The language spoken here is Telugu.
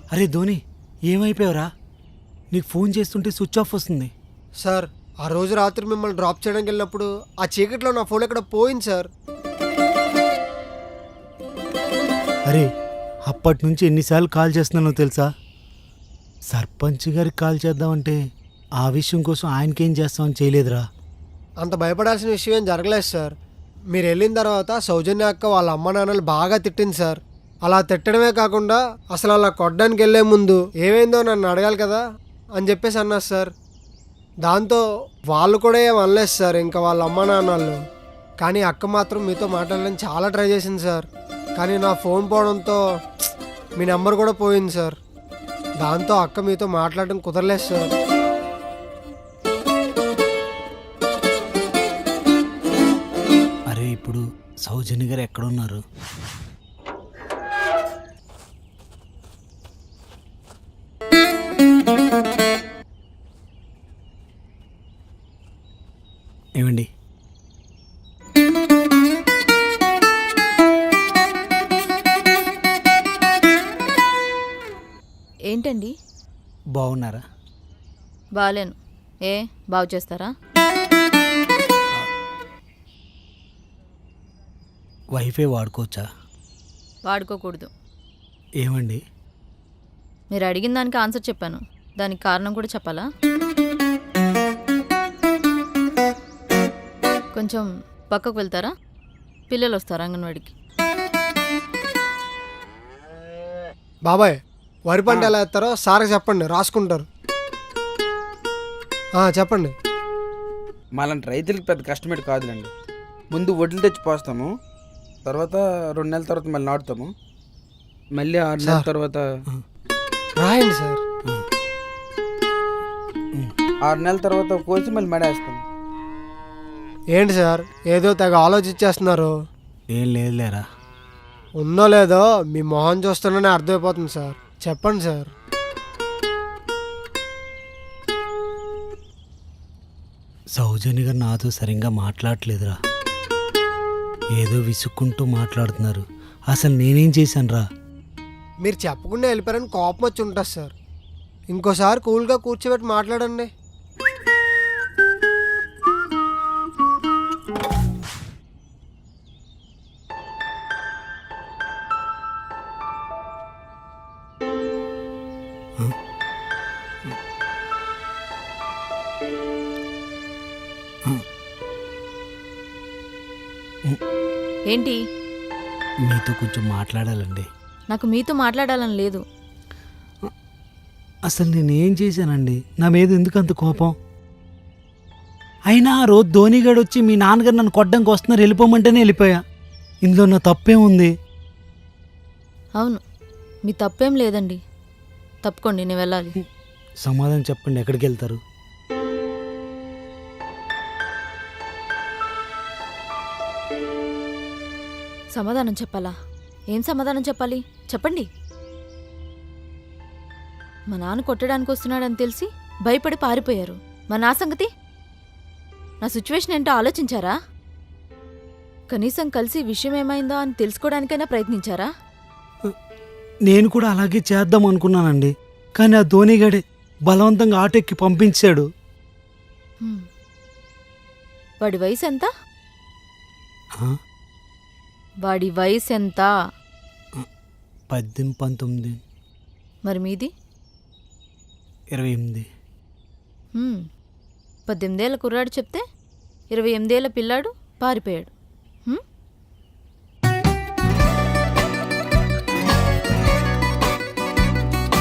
అరే ధోని, ఏమైపోయావురా? నీకు ఫోన్ చేస్తుంటే స్విచ్ ఆఫ్ వస్తుంది. సార్, ఆ రోజు రాత్రి మిమ్మల్ని డ్రాప్ చేయడానికి వెళ్ళినప్పుడు ఆ చీకట్లో నా ఫోన్ ఎక్కడ పోయింది సార్. అరే, అప్పటి నుంచి ఎన్నిసార్లు కాల్ చేస్తున్నానో తెలుసా? సర్పంచ్ గారికి కాల్ చేద్దామంటే ఆ విషయం కోసం ఆయనకేం చేస్తామని చేయలేదురా. అంత భయపడాల్సిన విషయం ఏం జరగలేదు సార్. మీరు వెళ్ళిన తర్వాత సౌజన్య అక్క వాళ్ళ అమ్మ నాన్నలు బాగా తిట్టింది సార్. అలా తిట్టడమే కాకుండా అసలు అలా కొట్టడానికి వెళ్ళే ముందు ఏమైందో నన్ను అడగాలి కదా అని చెప్పేసి అన్నారు సార్. దాంతో వాళ్ళు కూడా ఏం అనలేదు సార్, ఇంకా వాళ్ళ అమ్మ నాన్నలు. కానీ అక్క మాత్రం మీతో మాట్లాడడానికి చాలా ట్రై చేసింది సార్. కానీ నా ఫోన్ పోవడంతో మీ నెంబర్ కూడా పోయింది సార్. దాంతో అక్క మీతో మాట్లాడడం కుదరలేదు సార్. అరే, ఇప్పుడు సౌజన్య గారు ఎక్కడున్నారు? ఏమండి, ఏంటండి? బాగున్నారా? బాలేను. ఏ బాగు చేస్తారా? వైఫై వాడుకోవచ్చా? వాడుకోకూడదు. ఏమండి? మీరు అడిగిన దానికి ఆన్సర్ చెప్పాను, దానికి కారణం కూడా చెప్పాలా? కొంచెం పక్కకు వెళ్తారా? పిల్లలు వస్తారు అంగన్వాడికి. బాబాయ్, వరి పంట ఎలా వేస్తారో సార్కి చెప్పండి, రాసుకుంటారు. చెప్పండి. మాలాంటి రైతులకి పెద్ద కష్టమేటి కాదులేండి. ముందు వడ్లు తెచ్చి పోస్తాము, తర్వాత 2 నెలల తర్వాత మళ్ళీ నాటుతాము, మళ్ళీ 6 నెలల తర్వాత రాయండి సార్. 6 నెలల తర్వాత కోసి మళ్ళీ మడేస్తాము. ఏంటి సార్ ఏదో తెగ ఆలోచించేస్తున్నారు? ఏం లేదులేరా. ఉందో లేదో మీ మొహం చూస్తూనే అర్థమైపోతుంది సార్. చెప్పండి సార్. సౌజన్య గారు నాతో సరిగ్గా మాట్లాడట్లేదురా. ఏదో విసుక్కుంటూ మాట్లాడుతున్నారు. అసలు నేనేం చేశాను రా? మీరు చెప్పకుండా వెళ్ళిపోయారని కోపం వచ్చి ఉంటుంది సార్. ఇంకోసారి కూల్గా కూర్చోబెట్టి మాట్లాడండి. ఏంటి? మీతో కొంచెం మాట్లాడాలండి. నాకు మీతో మాట్లాడాలని లేదు. అసలు నేనేం చేశానండి? నా మీద ఎందుకు అంత కోపం? అయినా ఆ రోజు ధోనిగాడు వచ్చి మీ నాన్నగారు నన్ను కొట్టడానికి వస్తున్నారు, వెళ్ళిపోమంటేనే వెళ్ళిపోయా. ఇందులో నా తప్పేముంది? అవును, మీ తప్పేం లేదండి. తప్పుకోండి, నేను వెళ్ళాలి. సమాధానం చెప్పండి, ఎక్కడికి వెళ్తారు? సమాధానం చెప్పాలా? ఏం సమాధానం చెప్పాలి చెప్పండి. మా నాన్న కొట్టడానికి వస్తున్నాడని తెలిసి భయపడి పారిపోయారు. మా నా సంగతి? నా సిచ్యువేషన్ ఏంటో ఆలోచించారా? కనీసం కలిసి విషయం ఏమైందో అని తెలుసుకోవడానికైనా ప్రయత్నించారా? నేను కూడా అలాగే చేద్దాం అనుకున్నానండి. కానీ ఆ ధోనిగాడే బలవంతంగా ఆటోకి పంపించాడు. వాడి వయసు ఎంత? ఆ? వాడి వయసు ఎంత? 18, 19. మరి మీది? 28. 18 ఏళ్ల కుర్రాడు చెప్తే 28 ఏళ్ల పిల్లాడు పారిపోయాడు.